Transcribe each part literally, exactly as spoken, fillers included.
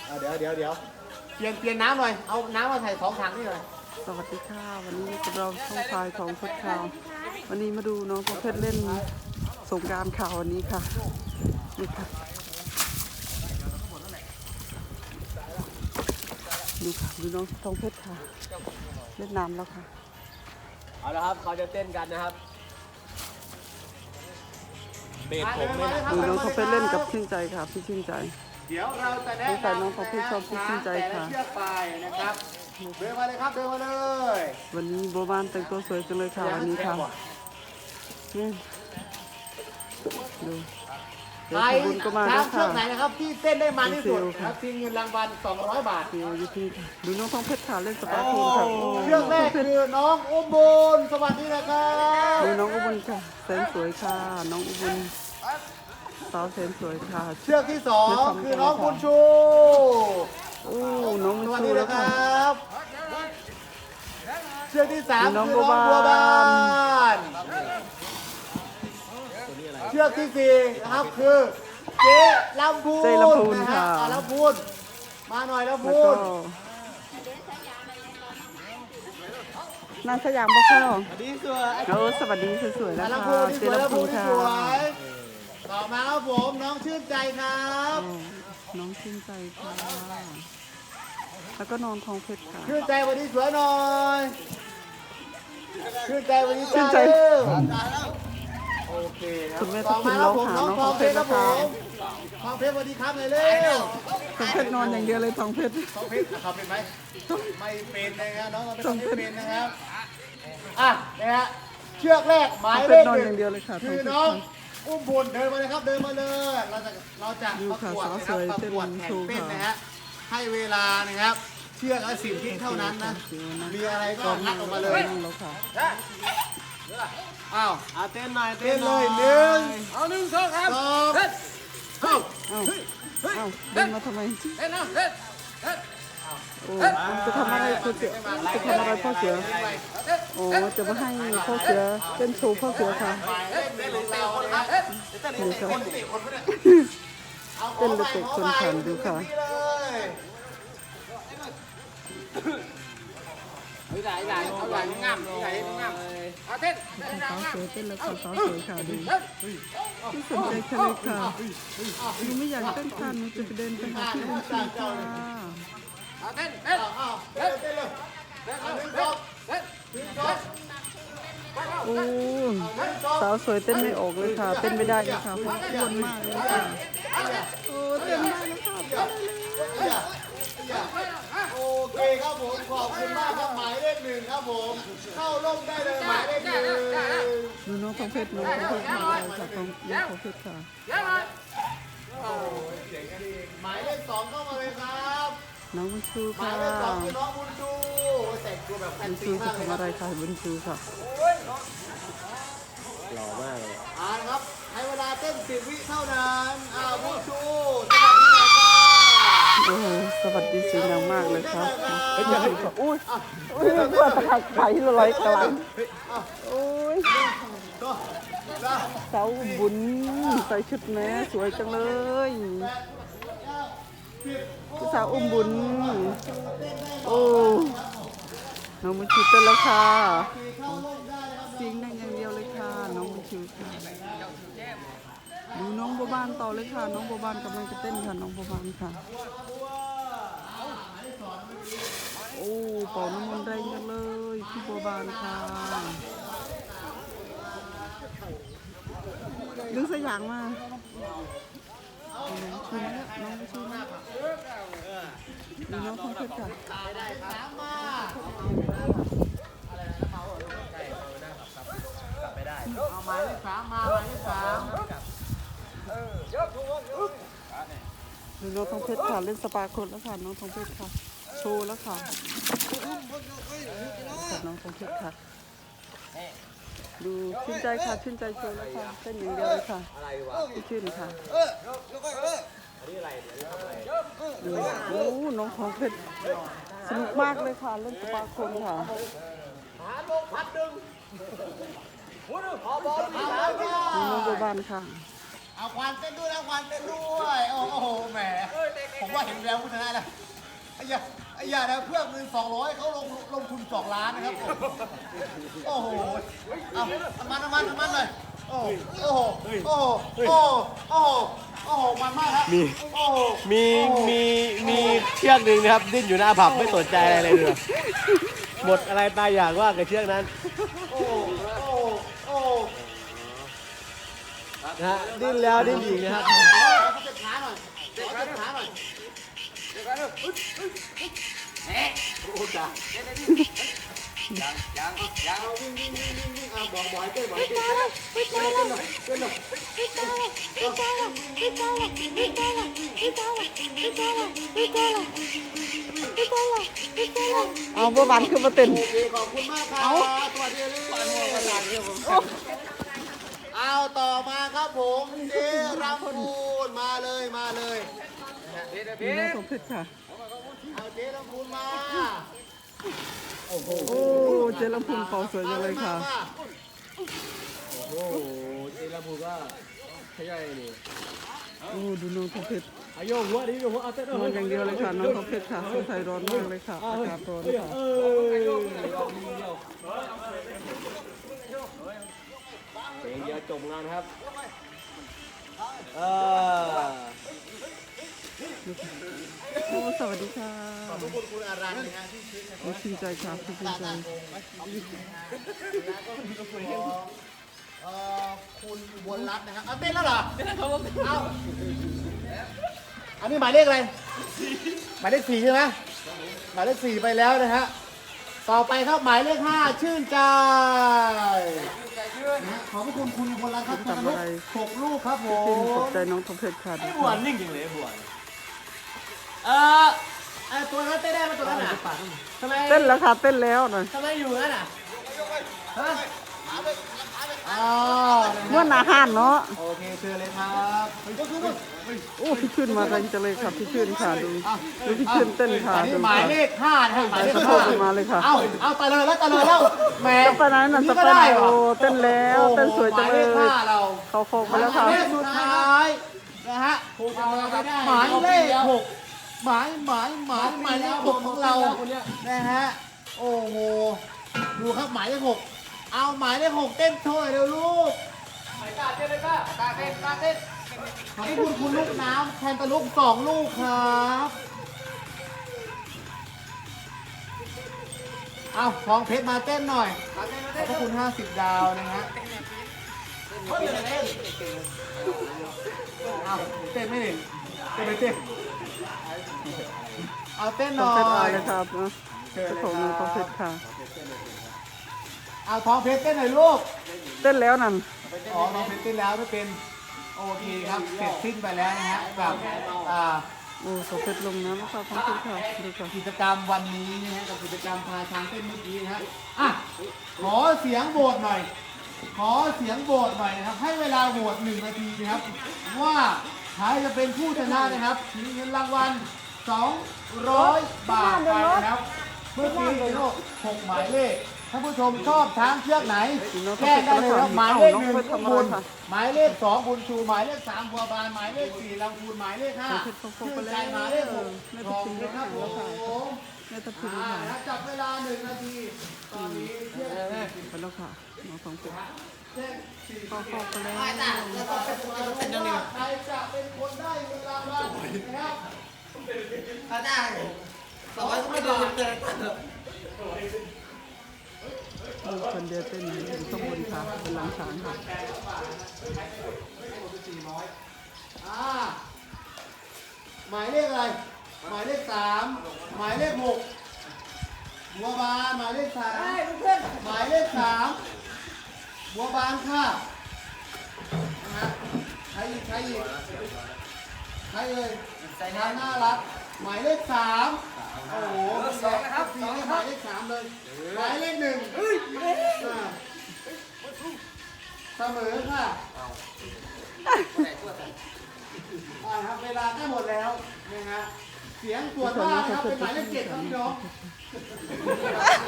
เดี๋ยวเดี๋ยวเดี๋ยวเปลี่ยนเปลี่ยนน้ำหน่อยเอาน้ำมาใส่สองถังนี่หน่อยสวัสดีค่ะวันนี้เราช่องพายของเพชรข่าววันนี้มาดูน้องเพชรเล่นสงกรานต์ข่าววันนี้ค่ะนี่ค่ะดูค่ะดูน้องทองเพชรค่ะเล่นน้ำแล้วค่ะเอาละครับเขาจะเต้นกันนะครับเบสผมเลยนะดูน้องทองเพชรเล่นกับชื่นใจค่ะพี่ชื่นใจเดี๋ยวเราจะแนะนำน้องทองเพชรชอบพี่ชื่นใจค่ะเชือกไปนะครับเดินมาเลยครับเดินมาเลยวันนี้โบบ้านแต่งตัวสวยจังเลยค่ะวันนี้ค่ะนี่ดูใครช้างเชือกไหนนะครับที่เต้นได้มันที่สุดครับทีเงินรางวัลสองร้อยบาทอยู่ที่ดูน้องทองเพชรค่ะเล่นสปาร์คูลค่ะเชือกแรกคือน้องอุบลสวัสดีนะครับดูน้องอุบลค่ะแสนสวยค่ะน้องอุบลสาวแสนสวยค่ะเชือกที่สองคือน้องบุญชูโอ้น้องบุญชูแล้วครับเชือกที่สามคือน้องบัวบานเชือกที่สี่นะครับคือเจ๊ลำพูนเจ๊ลำพูนค่ะลำพูนมาหน่อยลำพูนนางสยามบ่เข้าสวัสดีสวยเออสวัสดีสวยๆแล้วค่ะเจ๊ลำพูนค่ะต่อมาครับผมน้องชื่นใจครับน้องชื่นใจค่ะแล้วก็น้องทองเพชรค่ะชื่นใจวันนี้สวยหน่อยชื่นใจวันนี้ชื่นใจโอเคครับต่อมาครับผมน้องทองเพชรครับผมทองเพชรสวัสดีครับเลยเร็วทองเพชรนอนอย่างเดียวเลยทองเพชรทองเพชรเขาเป็นไหมไม่เป็นนะครับน้องทองเพชรไม่เป็นนะครับอ่ะนะฮะเชือกแรกหมายเลขหนึ่งคือน้องอุ้มบุญเดินมาเลยครับเดินมาเลยเราจะเราจะประกวดนะครับประกวดแข่งเต้นนะฮะให้เวลานะครับเชือกละสิบวิเท่านั้นนะมีอะไรก็งัดออกมาเลยอ้าวเต้นหน่อยเต้นเลยหนึ่งเอาหนึ่งสองครับสองเข้าเอ้าเอ้าเดินมาทำไมเต้นเอาเต้นโอ้จะทำอะไรพ่อเสือจะทำอะไรพ่อเสือโอ้จะมาให้พ่อเสือเต้นโชว์พ่อเสือค่ะดูค่ะเต้นเด็กๆคนขันดูค่ะใหญ่ใหญ่เอาใหญ่งามใหญ่งามเอาเต้นสาวสวยเต้นแล้วค่ะสาวสวยค่ะดูไม่สนใจใครเลยค่ะหนูไม่อยากเต้นค่ะหนูจะไปเดินไปหาที่บุญชูค่ะเต้นเต้นเต้นเต้นเลยโอ้สาวสวยเต้นไม่ออกเลยค่ะเต้นไม่ได้เลยค่ะเพราะอ้วนมากเลยค่ะโอ้เต้นได้เลยค่ะโอเคครับผมขอบคุณมากครับหมายเลขหนึ่งครับผมเข้าร่มได้เลยหมายเลขหนึ่งดูน้องทองเพชรน้องทองเพชรมาเลยค่ะน้องน้องทองเพชรค่ะหมายเลขสองเข้ามาเลยครับน้องบุญชูค่ะหมายเลขสองคือน้องบุญชูแต่งตัวแบบบุญชูจะทำอะไรคะบุญชูค่ะหล่อมากเลยอ่าครับให้เวลาเต้นสิบวิเท่านั้นอ่าบุญชูโอ้สวัสดีสวยงามมากเลยครับอุ้ยอุ้ยเพื่อตะไคร้ลอยกลางโอ้ยสาวบุญใส่ชุดแม่สวยจังเลยสาวอุ้มบุญโอ้น้องบุญชูเต้นแล้วค่ะเสียงดังอย่างเดียวเลยค่ะน้องบุญชูค่ะดูน้องบัวบานต่อเลยค่ะน้องบัวบานกำลังจะเต้นค่ะน้องบัวบานค่ะโอ้เป่าน้ำมันแรงจังเลยพี่บัวบานค่ะดึงสยางมาชูนะน้องชูนะดูน้องทองเพชรค่ะเอาหมายเลขสามมาหมายเลขสามดูน้องทองเพชรค่ะเล่นสปาร์คแล้วค่ะน้องทองเพชรค่ะโชว์แล้วค่ะน้องทองเพชรค่ะดูชื่นใจค่ะชื่นใจโชว์แล้วค่ะเต้นอย่างเดียวเลยค่ะชื่นค่ะดูโอ้น้องทองเพชรสนุกมากเลยค่ะเล่นสปาร์คค่ะน้องบัวบานค่ะเอาควานเต้นด้วยนะควานเต้นด้วยโอ้โหแหมผมว่าเห็นแววผู้ชนะแล้วไอ้ยาไอ้ยานะเพื่อเงินสองร้อยเขาลงลงทุนสองล้านนะครับโอ้โหเอาน้ำมันน้ำมันน้ำมันเลยโอ้โหโอ้โหโอ้โหโอ้โหโอ้โหโอ้โหมันมากครับมีโอ้โหมีมีมีเชือกหนึ่งนะครับดิ้นอยู่หน้าผับไม่สนใจอะไรเลยเลยหมดอะไรตายอยากว่ากับเชือกนั้นโอ้โหโอ้โหโอ้โหนะฮะดิ้นแล้วดิ้นอีกนะครับเขาเจ็บขาหน่อยเขาเจ็บขาหน่อยโอ้จ้ายังยังยังเอาวิ่งวิ่งวิ่งวิ่งวิ่งเอาบอกบอกให้เต้นบอกให้เต้นเต้นเต้นหน่อยเต้นหน่อยเอาบ่บันคือมาเต้นโอเคขอบคุณมากครับสวัสดีเลยเอาต่อมาครับผมเจรำพูนมาเลยมาเลยนี่น้องทองเพชรค่ะเอาเจรำพูนมาโอ้เจลำพูนเป่าสวยจังเลยค่ะโอ้โหเจลาบูก็ขย่อยนี่โอ้ดูน้องทองเพชรอายุหัวดิโยหัวเอาเต้นนอนอย่างเดียวเลยค่ะน้องทองเพชรค่ะสงสัยร้อนมากเลยค่ะอากาศร้อนค่ะเออเดียวเพลงเดียวจบงานครับเออโอ้สวัสดีค่ะขอบคุณคุณอารันนะฮะที่ชื่นชมโอ้ชื่นใจค่ะชื่นใจเอ่อคุณอุบลรัตน์นะครับเอาเต้นแล้วเหรอเอาอันนี้หมายเลขอะไรหมายเลขสี่ใช่ไหมหมายเลขสี่ไปแล้วนะฮะต่อไปครับหมายเลขห้าชื่นใจนะฮะขอบพระคุณคุณอุบลรัตน์ครับทำลูกหกลูกครับผชื่นมขอบใจน้องทองเพชรค่ะดูบวค่ะนนิ่งจริงเลยบวนเออไอตัวนั้นเต้นได้ไหมตัวนั้นอ่ะทำไมเต้นแล้วค่ะเต้นแล้วนะทำไมอยู่นั่นอ่ะฮะอ๋อเมื่อนาห้านเนาะโอเคเชิญเลยครับก็คือว่าโอ้พี่ชื่นมาแรงจังเลยค่ะพี่ชื่นค่ะดูดูพี่ชื่นเต้นค่ะอันนี้ดูหมายค่ะเลขห้านะครับหมายเลขสะโพห้ากมาเลยค่ะเอาเอาตะเลยแล้วตะเลยแล้วแหมสเปนนั้นน่ะสเปนโอ้เต้นแล้วเต้นสวยจังเลยหมายเลขห้าเราเขาโคกหไปมายแล้วค่ะเลขสุดท้ายนะฮะหมายเลขหกหมายหมายหมายหมายเลขหกของเรานะฮะโอ้โหดูครับหมายเลขหกเอาหมายเลขหกเต้นโชว์หน่อยเร็วลูกตาเต้นเลยป้าตาเต้นตาเต้นขอบคุณคุณลูกน้ำแทนตะลุกสองลูกครับเอาทองเพชรมาเต้นหน่อยขอบพระคุณห้าสิบดาวนะฮะเอาเต้นไม่เห็นเต้นไม่เต้นเอาเต้นหต้อน่งอเพชรอายยนะครับนะเจ้าของน้องต้องเพชรค่ะเอาทองเพชรเต้นหน่อยลูกเต้นแล้วนั่นอ๋อทองเพชรเต้นแล้วไม่เป็นโอเคครับเสร็จสิ้นไปแล้วนะฮะกับอ่าโอ้ต้องเพชรลงน้ำนะครับต้องเพชรค่ะดูค่ะกิจกรรมวันนี้นะฮะกับกิจกรรมพาช้างเต้นเมื่อกี้นะฮะอ่ะขอเสียงโหวตหน่อย ขอเสียงโหวตหน่อยนะครับ ให้เวลาโหวตหนึ่งนาทีนะครับ ว่าใครจะเป็นผู้ชนะนะครับมีเงินรางวัลสองร้อยบาทไปนะครับ เมื่อกี้โลกหกหมายเลขท่านผู้ชมชอบช้างเชือกไหนแจ้งได้เลยครับหมายเลขหนึ่งคุณบุญหมายเลขสองบุญชูหมายเลขสามบัวบานหมายเลขสี่ลำพูนหมายเลขห้าต้องเพชรต้องโคกชื่ไปนใจแล้วหมายเลขหกไม่ขต้ออง บพิมคุณพ์คแล้รับผวค่ะมไม่ต้องพิมพ์อ่าค่ะจับเวลาหนึ่งนาที ตอนนี้เที่ยงไปแล้วค่ะน้องต้องเพชรเที่ยงสี่เข้าโคกไปแล้วใครจะเป็นคนได้เงินรางวัลนะครับลูกคนเดียวเต้นอยู่ข้างบนค่ะเป็นหลังช้างค่ะอ่าหมายเลขอะไร หมายเลขสามหมายเลขหกบัวบานหมายเลขสามหมายเลขสามบัวบานค่ะนะฮะใครอีกใครอีกใครเอ่ยใจน่ารักหมายเลขสามโอ้โหสองนะครับสี่ให้หมายเลขสามเลยหมายเลขหนึ่งอ่าเสมอค่ะอ่าครับเวลาได้หมดแล้วนะฮะเสียงตรวจว่านะครับเป็นหมายเลขเจ็ดครับพี่น้อง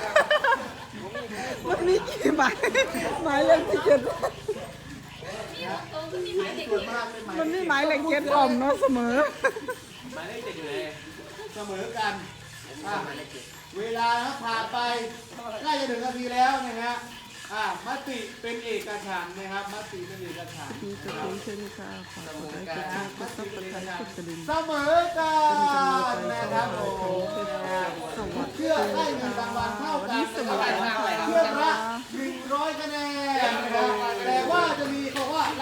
มันมีกี่หมายหมายเลขที่เจ็ดนฮะส่วนมากเป็นหมายมันนี่หมายเลขเจ็ดออมเนาะเสมอหมายเลขเจ็ดอยู่ไหนเสมอกันอ่ะเวลานะผ่านไปใกล้จะถึงนาทีแล้วนะฮะอ่ามติเป็นเอกฉันท์นะครับมติเป็นเอกฉันท์มีกระดิ่งเช่นค่ะฝากกดไลค์กดแชร์กดซับสไครต์กดกระดิ่งเสมอกันเป็นกำลังใจนะให้ครับเราโอ้ขโหองเพชรสวัสดีเชื่อได้เงินรางวัลเท่าวันกันนี้สวัสดีค่ะเชื่อละหนึ่งร้อยคะแนนนะครับ